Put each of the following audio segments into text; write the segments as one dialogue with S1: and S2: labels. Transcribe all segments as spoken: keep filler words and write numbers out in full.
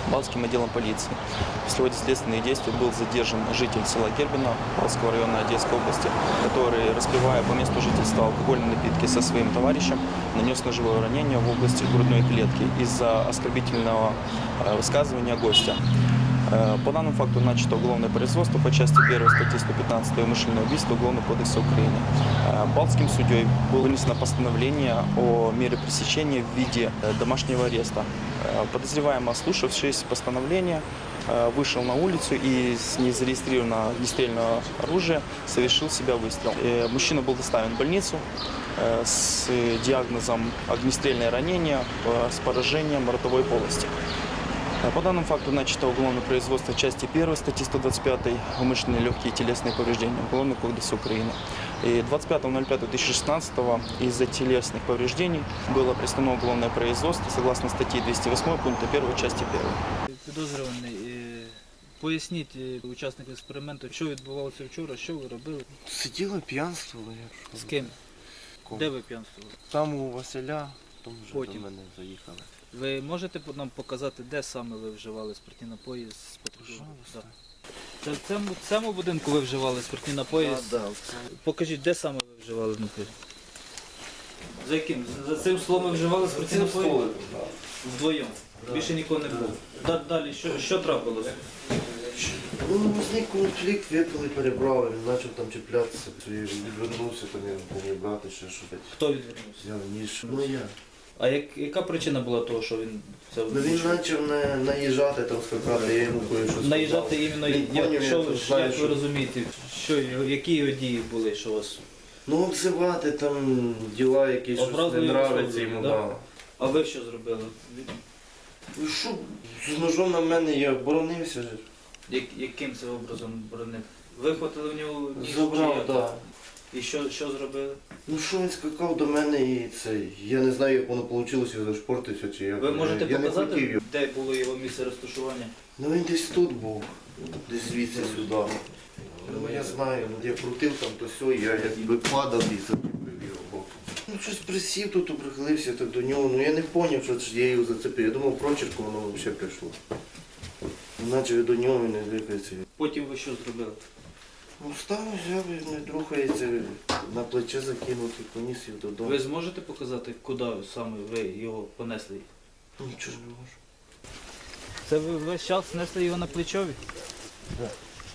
S1: Балтским отделом полиции. В ходе следственных действий был задержан житель села Гербино Балтского района Одесской области, который, распивая по месту жительства алкогольные напитки со своим товарищем, нанес ножевое ранение в области грудной клетки из-за оскорбительного высказывания гостя. По данному факту начато уголовное производство по части первой статьи сто пятнадцать «Умышленное убийство» Уголовного кодекса Украины. Балтским судьей было вынесено постановление о мере пресечения в виде домашнего ареста. Подозреваемый, ослушавшись постановления, вышел на улицу и с незарегистрированного огнестрельного оружия совершил себя выстрел. Мужчина был доставлен в больницу с диагнозом огнестрельное ранение с поражением ротовой полости. По данному факту начато уголовное производство в части первой статьи сто двадцать пять «Умышленные легкие телесные повреждения» Уголовного кодекса Украины. И двадцать пятого ноль пятого две тысячи шестнадцатого из-за телесных повреждений было приостановлено уголовное производство согласно статьи двести восьмой пункта первого части первой.
S2: Підозрюваний, поясніть учасникам експерименту, що відбувалося вчора, що ви робили?
S3: Сиділи, п'янствували.
S2: З ким? Де ви п'янствували?
S3: Там у Василя, там вже
S2: Потім.
S3: до мене заїхали.
S2: Ви можете нам показати, де саме ви вживали спиртні напої з потерпілим? Да. Це в цьому, в цьому будинку ви вживали спиртні напої?
S3: А, да,
S2: Покажіть, де саме ви вживали напої? За яким? За цим столом ви вживали спиртні напої? Вдвоєм? Да. Більше нікого не було? Да. Далі, що, що трапилося?
S3: Ну, возник конфлікт, випили, перебрали, він почав там чіплятися, я відвернувся, там я мені брати, ще щось.
S2: Хто відвернувся?
S3: Взяв ніж. Ну я.
S2: А як, яка причина була того, що він це
S3: Ну він почав на, наїжджати, там скакати, я йому кое-що сказав.
S2: наїжджати іменно,
S3: Він
S2: як,
S3: поняв,
S2: що,
S3: я
S2: ви-
S3: тут знаю,
S2: як ви
S3: що-
S2: розумієте, що, які його дії були, що вас...
S3: Ну обзивати, там діла якісь, щось
S2: Образливі
S3: не нравиться
S2: особи,
S3: йому,
S2: да?
S3: да.
S2: А ви що зробили?
S3: Ну що, з ножом на мене я боронився.
S2: Як, яким це образом боронив? Вихватили в нього ніж? чи
S3: Забрав,
S2: як?
S3: так. Да.
S2: І що, що зробили?
S3: Ну що він скакав до мене і це, я не знаю, як воно вийшло, я зашпортився чи як.
S2: Ви можете
S3: я, я не хотів
S2: показати,
S3: його.
S2: де було його місце розташування?
S3: Ну він десь тут був, десь звідси сюди. Ну я знаю, я крутив там, то все, я якби падав і зацепив його боком. Ну щось присів тут, прихилився так до нього, ну я не зрозумів, що ж я його зацепив. Я думав, прочерком воно взагалі прийшло. Наче я до нього він не двигається.
S2: Потім ви що зробили?
S3: Ну став, взяв, і не рухається, на плече закинув і поніс його додому.
S2: Ви зможете показати, куди саме ви його понесли?
S3: Нічого ж не можу.
S2: Це ви весь час несли його на плечові?
S3: Так.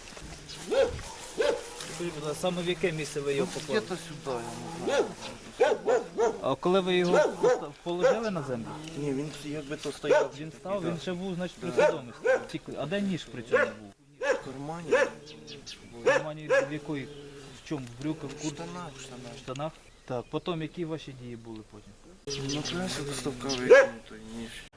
S2: Скажіть, будь ласка, саме в яке місце ви його поклали?
S3: Где-то сюди, я не знаю.
S2: А коли ви його поста- положили на землю?
S3: Ні, він якби то стояв.
S2: Він став, він ще був, значить, при свідомості. Тільки- А де ніж при цьому був?
S3: В кармані.
S2: В кармані в якої? В чому? В брюках, в
S3: В
S2: куртці?
S3: штанах, в штанах.
S2: В штанах? Так, потім які ваші дії були потім?
S3: Ну, краще доставка викинути, ніж.